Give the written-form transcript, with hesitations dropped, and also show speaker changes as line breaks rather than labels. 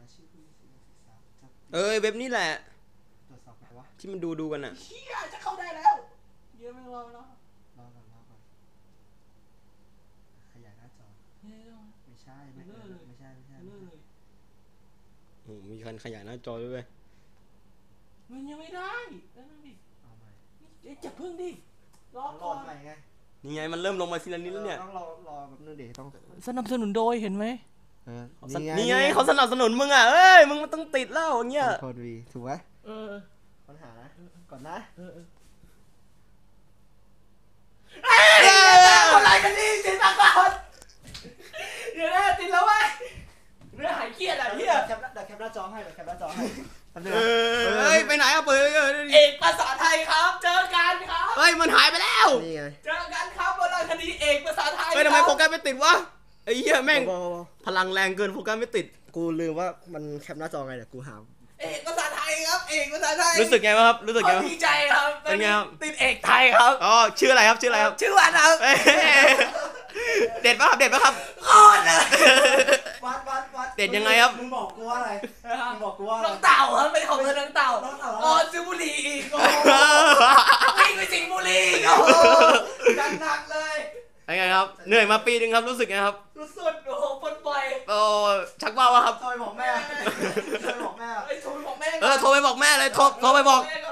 เว็บนี้แหละ
ตรวจสอบไงวะ
ที่มันดูกันอ่ะ
เชี่ยจะเข้าได้แล้วเยอะไม่รอแล้ว
รอก่อนขยายหน้าจอไม่ใช่ไม่ใช่
มีการขยายหน้าจอด้วย
มันยังไม่ได้นั่นดิ
เอาใหม่
จะพึ่งดิรอก่อน
ใหม่ไง
นี่ไงมันเริ่มลงมาทีละนิดแล้วเนี่ย
ต้องรอแบบนึงดิต้อง
สนับสนุนโดยเห็นไหม
นี่ไงเขาสนับสนุนมึงอ่ะมึงมันต้องติดแล้วอย่างเงี้ย
โคตรวีถูกไหมปัญหานะก่อนนะ
อะไรกันนี่ติดตาก่อนเดี๋ยวนะติดแล้วเว้ยเรื่องหายเครียดอ่ะเฮีย
แคปหน้าจอให้
ไปไหนอ่ะเปิด
เอกภาษาไทยครับเจอกันครับ
มันหายไปแล้ว
นี่ไง
เจอกันครับบนคดีเอกภาษาไทย
ทำไมโฟกัสไม่ติดวะไอ้เหี้ยแม่งพลังแรงเกินโฟกัสไม่ติด
กูลืมว่ามันแคปหน้าจอไงเดี๋ยวกูหา
เอกภาษาไทยครับเอกภาษาไทย
รู้สึกไงบ้างครับ
ดีใจครับ
เป็นไงครับ
ติดเอกไทยครับ
ชื่ออะไรครับชื่อ
วันครับ
เด็ดป่ะครับ
โคตรเลย
วัด
เด็ดยังไงครับ
มึงบอกกูว่าอะไร
น้องเต่าครับเป็นของน้องเต่าซื้อบุหรี่อีกวิ่งไปสิงบุหรี่โอ้กันหนักเลย
เป็นไงครับเหนื่อยมาปีนึงครับรู้สึกไงครับ
สุดโอ้โหปนปล่อย
ชักว่าวครับ
โทรไปบอกแม่
โทรไปบอกแม่
โทรไปบอกแม่เลยโทรไปบอก